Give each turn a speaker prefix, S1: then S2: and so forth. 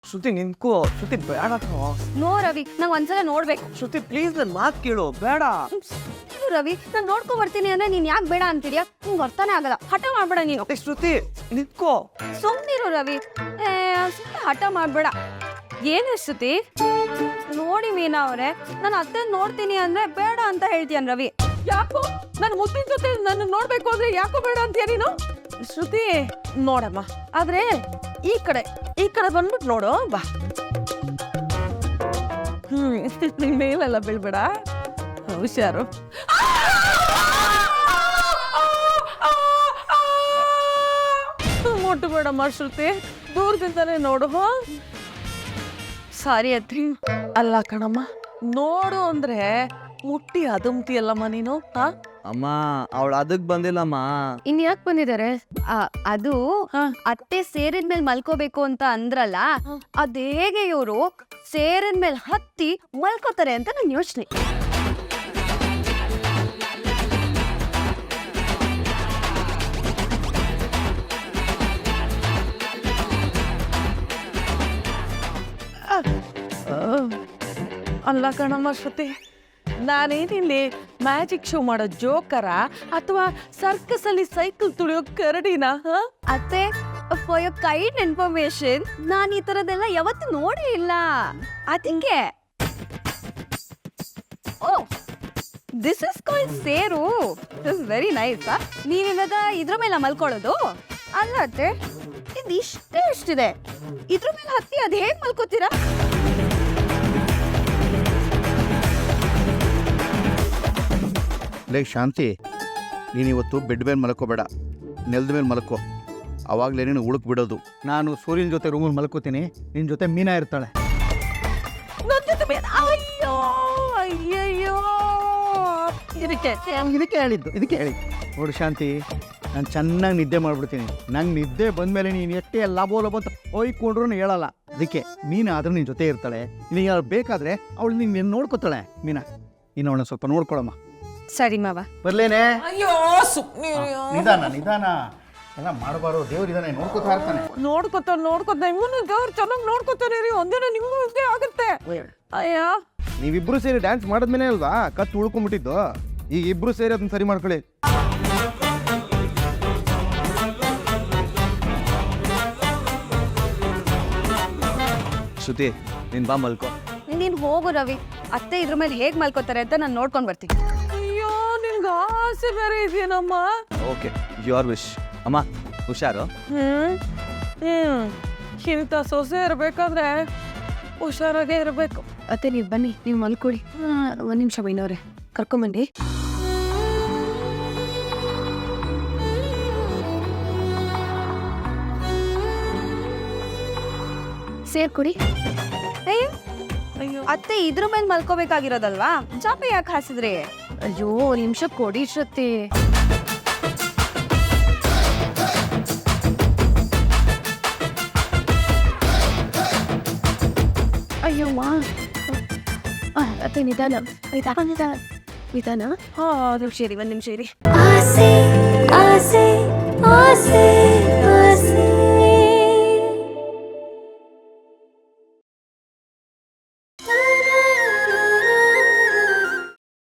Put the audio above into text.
S1: ಶ್ರುತಿ ನಿಂತ್ಕೋ. ಶ್ರುತಿ ಬೇಡ ಕಣೋ.
S2: ನೋ ರವಿ, ನಂಗೆ ಒಂದ್ಸಲ ನೋಡ್ಬೇಕು.
S1: ಶ್ರುತಿ ಪ್ಲೀಸ್ ನನ್ನ ಮಾತು ಕೇಳು. ಬೇಡ
S2: ರವಿ, ನಾನು ನೋಡ್ಕೊ ಬರ್ತೀನಿ ಅಂದ್ರೆ ನೀನ್ ಯಾಕೆ ಬೇಡ ಅಂತೀರಿಯಾ? ನಿಂಗೆ ಅರ್ಥನೇ ಆಗಲ್ಲ. ಹಠ ಮಾಡ್ಬೇಡ ನೀನು.
S1: ಶ್ರುತಿ ನಿಂತ್ಕೋ.
S2: ಸುಮ್ಮನಿರು ರವಿ, ಸುಮ್ಮನೆ ಹಠ ಮಾಡ್ಬೇಡ. ಏನೇ ಶ್ರುತಿ? ನೋಡಿ ಮೀನಾ ಅವ್ರೆ, ನಾನು ಅತ್ತೆ ನೋಡ್ತೀನಿ ಅಂದ್ರೆ ಬೇಡ ಅಂತ ಹೇಳ್ತೀಯನ್ ರವಿ.
S3: ಯಾಕೋ ನನ್ನ ಮುದ್ದಿನ ಜೊತೆ ನನ್ನ ನೋಡ್ಬೇಕು ಅಂದ್ರೆ ಯಾಕೋ ಬೇಡ ಅಂತೀಯ ನೀನು? ಶ್ರುತಿ ನೋಡಮ್ಮ, ಆದ್ರೆ ಈ ಕಡೆ ಬಂದ್ಬಿಟ್ಟು ನೋಡು ಬಾ. ಮೇಲೆಲ್ಲ ಬೀಳ್ಬೇಡ, ಹುಷಾರು. ಮುಟ್ಟಬೇಡಮ್ಮ ಶ್ರುತಿ, ದೂರದಿಂದಲೇ ನೋಡು.
S2: ಸಾರಿ ಅತ್ರಿ.
S3: ಅಲ್ಲ ಕಣಮ್ಮ, ನೋಡು ಅಂದ್ರೆ ಮುಟ್ಟಿ ಅದುಮ್ತಿಯಲ್ಲಮ್ಮ ನೀನು.
S1: ಅಮ್ಮ ಅವಳು ಅದಕ್ ಬಂದಿಲ್ಲಮ್ಮ.
S2: ಇನ್ ಯಾಕೆ ಬಂದಿದ್ದಾರೆ? ಅದು ಅತ್ತೆ ಸೇರಿದ್ಮೇಲೆ ಮಲ್ಕೋಬೇಕು ಅಂತ ಅಂದ್ರಲ್ಲ, ಅದ್ ಹೇಗೆ ಇವರು ಸೇರಿದ್ಮೇಲೆ ಹತ್ತಿ ಮಲ್ಕೋತಾರೆ ಅಂತ ನನ್ ಯೋಚನೆ.
S3: ಅಲ್ಲ ಕಣಮ್ಮ ಶ್ರುತಿ, ನಾನೇನಿಲ್ಲಿ ಮ್ಯಾಜಿಕ್ ಶೋ ಮಾಡೋ ಜೋಕರ ಅಥವಾ ಸರ್ಕಸ್ ಅಲ್ಲಿ ಸೈಕಲ್ ತುಳಿಯೋ ಕರಡಿನ?
S2: ಅತ್ತೆ, ಫಾರ್ ಯೋರ್ ಕೈಂಡ್ ಇನ್ಫಾರ್ಮೇಶನ್, ನಾನು ಈ ತರದೆಲ್ಲ ಯಾವತ್ತೂ ನೋಡೇ ಇಲ್ಲ. ಅದಕ್ಕೆ ಓ, ದಿಸ್ ಇಸ್ ಕಾಲ್ಡ್ ಸೇರು. This is very nice. ನೀವಿವಾಗ ಇದ್ರ ಮೇಲೆ ಮಲ್ಕೊಳ್ಳೋದು? ಅಲ್ಲ ಅತ್ತೆ, ಇದು ಎಷ್ಟಿದೆ, ಇದ್ರ ಮೇಲೆ ಹತ್ತಿ ಅದ್ ಹೇಗ್ ಮಲ್ಕೋತೀರಾ?
S4: ಲೇ ಶಾಂತಿ, ನೀನಿವತ್ತು ಬೆಡ್ ಮೇಲೆ ಮಲ್ಕೋಬೇಡ, ನೆಲದ ಮೇಲೆ ಮಲ್ಕೋ. ಅವಾಗಲೇ ನೀನು ಉಳುಕ್ ಬಿಡೋದು. ನಾನು ಸೂರ್ಯನ ಜೊತೆ ರೂಮಲ್ಲಿ ಮಲ್ಕೋತೀನಿ, ನಿನ್ನ ಜೊತೆ ಮೀನಾ ಇರ್ತಾಳೆ.
S3: ಅಯ್ಯೋ ಅಯ್ಯಯ್ಯೋ, ಇದಕ್ಕೆ
S4: ಹೇಳಿದ್ದು. ನೋಡು ಶಾಂತಿ, ನಾನು ಚೆನ್ನಾಗಿ ನಿದ್ದೆ ಮಾಡಿಬಿಡ್ತೀನಿ. ನಂಗೆ ನಿದ್ದೆ ಬಂದಮೇಲೆ ನೀನು ಎಷ್ಟೇ ಲಾಭೋ ಅಂತ ಒಯ್ಕೊಂಡ್ರು ಹೇಳಲ್ಲ. ಅದಕ್ಕೆ ಮೀನಾ ಆದ್ರೆ ನಿನ್ನ ಜೊತೆ ಇರ್ತಾಳೆ. ನೀನು ಯಾರು ಬೇಕಾದರೆ ಅವಳು ನೀನು ನೋಡ್ಕೋತಾಳೆ. ಮೀನಾ, ನೀನು ಅವಳನ್ನ ಸ್ವಲ್ಪ ನೋಡ್ಕೊಳಮ್ಮ.
S2: ಸರಿ ಮಾವ.
S4: ಬರ್ಲೇನೆ?
S3: ಅಯ್ಯೋ ಸುಮ್ಮನೆ
S4: ನಿಧಾನ ಎಲ್ಲ ಮಾಡಬಾರ್ದು. ದೇವ್ರಿದಾನೆ, ನೋಡ್ಕೋತಾ ಇರ್ತಾನೆ.
S3: ನೋಡ್ಕೊತ ಇವನು ದೇವ್ರು ಚೆನ್ನಾಗಿ ನೋಡ್ಕೊತಾನೆ ರೀ. ಒಂದಿನ ನಿಮ್ಗೂ ಇದ್ದೇ ಆಗುತ್ತೆ. ಅಯ್ಯ,
S5: ನೀವಿಬ್ರು ಸೇರಿ ಡ್ಯಾನ್ಸ್ ಮಾಡಿದ್ಮೇಲೆ ಅಲ್ವಾ ಕತ್ತು ಉಳ್ಕೊಂಡ್ಬಿಟ್ಟಿದ್ದು. ಈಗ ಇಬ್ರು ಸೇರಿ ಅದನ್ನ ಸರಿ ಮಾಡ್ಕೊಳ್ಳಿ.
S1: ಶ್ರುತಿ ನೀನ್ ಬಾ ಮಲ್ಕೋ.
S2: ನೀನ್ ಹೋಗು ರವಿ, ಅತ್ತೆ ಇದ್ರ ಮೇಲೆ ಹೇಗ್ ಮಲ್ಕೋತಾರೆ ಅಂತ ನಾನು ನೋಡ್ಕೊಂಡ್ ಬರ್ತೀನಿ.
S3: ಅಯ್ಯೋ, ನಿನ್ಗೆ ಆಸೆ ಬೇರೆ ಇದೆಯೇನಮ್ಮ?
S1: Okay, your wish. ಅಮ್ಮ ಹುಷಾರು.
S3: ಇಂಥ ಸೊಸೆ ಇರ್ಬೇಕಾದ್ರೆ ಹುಷಾರಾಗೇ ಇರ್ಬೇಕು.
S2: ಅತ್ತೆ ನೀವು ಬನ್ನಿ, ನೀವು ಮಲ್ಕೊಳ್ಳಿ. ಒಂದ್ ನಿಮಿಷ ಬೈನವ್ರೆ, ಕರ್ಕೊಂಬನ್ನಿ. ಸೇರ್ಕೊಡಿ.
S3: ಅಯ್ಯೋ,
S2: ಅತ್ತೆ ಇದ್ರ ಮೇಲೆ ಮಲ್ಕೋಬೇಕಾಗಿರೋದಲ್ವಾ, ಚಾಪೆ ಯಾಕೆ ಹಾಸಿದ್ರಿ? ಅಯ್ಯೋ, ನಿಮಿಷ ಕೊಡಿ ಶ್ರುತಿ. ಅಯ್ಯೋ ಮಾ, ಅತ್ತೆ ನಿಧಾನ. ಹಾ, ಒಂದ್ ನಿಮಿಷ ಇರಿ.
S6: ಆಸೆ ಆಸೆ ಆಸೆ ಆಸೆ